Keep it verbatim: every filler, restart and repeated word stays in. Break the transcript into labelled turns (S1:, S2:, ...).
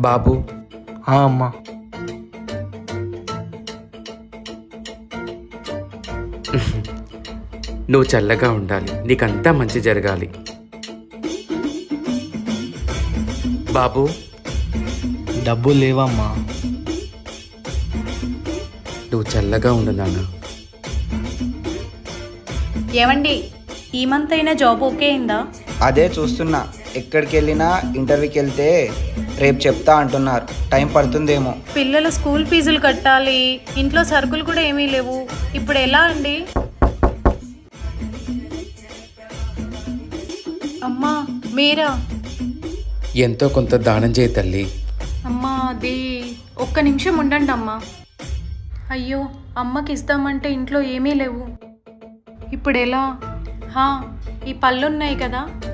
S1: బాబు.
S2: ఆ అమ్మా.
S1: నువ్వు చల్లగా ఉండాలి, నీకంతా మంచి జరగాలి. బాబు.
S2: డబ్బులు లేవమ్మా.
S1: నువ్వు చల్లగా ఉండు నాన్న.
S3: ఏమండి, ఈ మంత్ అయినా జాబ్ ఓకే అయిందా?
S4: అదే చూస్తున్నా. ఎక్కడికి వెళ్ళినా ఇంటర్వ్యూకి వెళ్తే రేపు చెప్తా అంటున్నారు. టైం పడుతుందేమో.
S3: పిల్లల స్కూల్ ఫీజులు కట్టాలి, ఇంట్లో సరుకులు కూడా ఏమీ లేవు. ఇప్పుడు ఎలా అండి? అమ్మా మీరా?
S1: ఎంతో కొంత దానం చేయి తల్లి.
S3: అమ్మా అది ఒక్క నిమిషం ఉండండి అమ్మా. అయ్యో, అమ్మకి ఇస్తామంటే ఇంట్లో ఏమీ లేవు. ఇప్పుడు ఎలా? హా, ఈ పళ్ళున్నాయి కదా,